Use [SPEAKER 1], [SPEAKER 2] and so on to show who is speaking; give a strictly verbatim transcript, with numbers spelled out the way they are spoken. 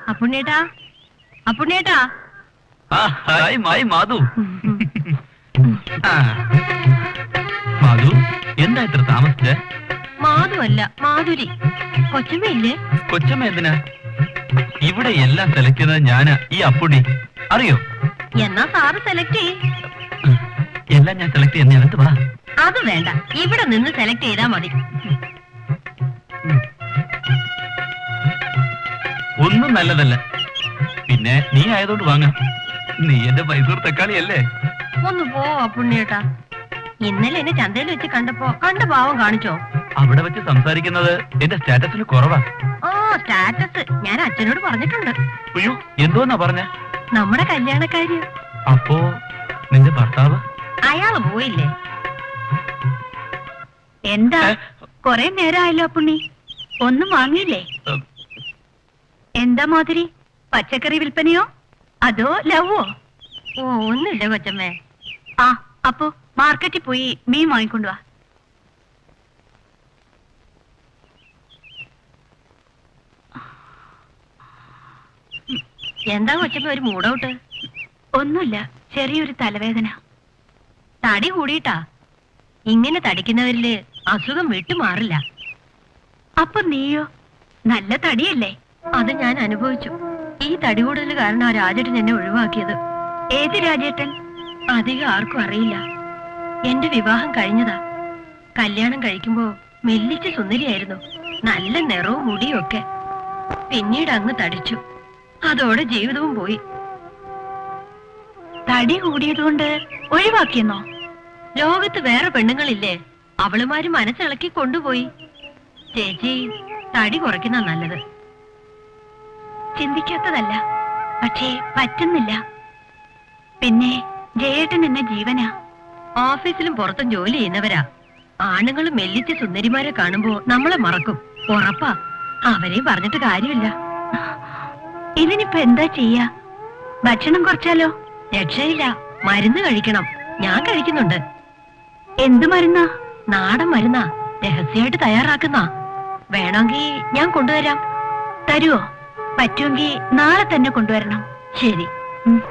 [SPEAKER 1] അപ്പുണ്ണേട്ടാ, അപ്പുണ്ണേട്ടാ.
[SPEAKER 2] Hi മായി മാധു. മാധു, എന്താ ഇത്ര താമസിച്ചേ?
[SPEAKER 1] മാധു അല്ല, മാധുരി. കൊച്ചമ്മയില്ലേ?
[SPEAKER 2] കൊച്ചമ്മ എന്തിനാ ഇവിടെ? എല്ലാം സെലക്ട് ചെയ്യുന്നത് ഞാനാ, ഈ അപ്പുണ്ണി. അറിയോ?
[SPEAKER 1] എന്നാ സാറ് സെലക്ട് ചെയ്.
[SPEAKER 2] എല്ലാം ഞാൻ സെലക്ട് ചെയ്യുന്ന അടുത്ത് വാ.
[SPEAKER 1] അത് വേണ്ട, ഇവിടെ നിന്ന് സെലക്ട് ചെയ്താ മതി.
[SPEAKER 2] ഒന്നും നല്ലതല്ല, പിന്നെ നീ ആയതുകൊണ്ട് വാങ്ങാം. നീ എന്റെ മൈസൂർ തക്കാളിയല്ലേ?
[SPEAKER 1] ഒന്ന് പോ അപ്പുണ്ണിയേട്ടാ. ഇന്നലെ എന്നെ ചന്തയിൽ വെച്ച് കണ്ടപ്പോ കണ്ട ഭാവം കാണിച്ചോ?
[SPEAKER 2] അവിടെ വെച്ച് സംസാരിക്കുന്നത് എന്റെ സ്റ്റാറ്റസിന് കുറവാ.
[SPEAKER 1] ആ സ്റ്റാറ്റസ് ഞാൻ അച്ഛനോട് പറഞ്ഞിട്ടുണ്ട്.
[SPEAKER 2] അയ്യോ, എന്തോന്നാ പറഞ്ഞ?
[SPEAKER 1] നമ്മുടെ കല്യാണക്കാര്യം.
[SPEAKER 2] അപ്പോ നിന്റെ ഭർത്താവ്?
[SPEAKER 1] അയാള് പോയില്ലേ? എന്താ കൊറേ നേരമായല്ലോ അപ്പുണ്ണി, ഒന്നും വാങ്ങിയില്ലേ? എന്താ മാതിരി, പച്ചക്കറി വിൽപ്പനയോ അതോ ലവോ? ഓ ഒന്നുമില്ല കൊച്ചമ്മേ. ആ അപ്പോ മാർക്കറ്റിൽ പോയി മീൻ വാങ്ങിക്കൊണ്ടുവാ. എന്താ കൊച്ചമ്മ ഒരു മൂടൗട്ട്? ഒന്നുമില്ല, ചെറിയൊരു തലവേദന. തടി കൂടിയിട്ടാ? ഇങ്ങനെ തടിക്കുന്നവരില് അസുഖം വിട്ടുമാറില്ല. അപ്പൊ നീയോ? നല്ല തടിയല്ലേ? അത് ഞാൻ അനുഭവിച്ചു. ഈ തടി കൂടുതൽ കാരണം ആ രാജേട്ടൻ എന്നെ ഒഴിവാക്കിയത്. ഏത് രാജേട്ടൻ? അധികം ആർക്കും അറിയില്ല. എന്റെ വിവാഹം കഴിഞ്ഞതാ. കല്യാണം കഴിക്കുമ്പോ മെല്ലിച്ച് സുന്ദരിയായിരുന്നു, നല്ല നിറവും മുടിയും ഒക്കെ. പിന്നീട് അങ്ങ് തടിച്ചു, അതോടെ ജീവിതവും പോയി. തടി കൂടിയതുകൊണ്ട് ഒഴിവാക്കിയെന്നോ? ലോകത്ത് വേറെ പെണ്ണുങ്ങളില്ലേ, അവളുമാര് മനസ്സിളക്കി കൊണ്ടുപോയി. ചേച്ചി തടി കുറയ്ക്കുന്ന നല്ലത്. ചിന്തിക്കാത്തതല്ല, പക്ഷേ പറ്റുന്നില്ല. പിന്നെ ജയേട്ടൻ എന്നെ ജീവനാ. ഓഫീസിലും പുറത്തും ജോലി ചെയ്യുന്നവരാ. ആണുങ്ങളും മെല്ലിച്ച സുന്ദരിമാരെ കാണുമ്പോ നമ്മളെ മറക്കും, ഉറപ്പാ. അവരെയും പറഞ്ഞിട്ട് കാര്യമില്ല. ഇതിനിപ്പോ എന്താ ചെയ്യാ? ഭക്ഷണം കുറച്ചാലോ? രക്ഷയില്ല, മരുന്ന് കഴിക്കണം. ഞാൻ കഴിക്കുന്നുണ്ട്. എന്ത് മരുന്നാ? നാടൻ മരുന്നാ, രഹസ്യമായിട്ട് തയ്യാറാക്കുന്ന. വേണമെങ്കിൽ ഞാൻ കൊണ്ടുവരാം. തരുവോ? പറ്റുമെങ്കിൽ നാളെ തന്നെ കൊണ്ടുവരണം. ശരി.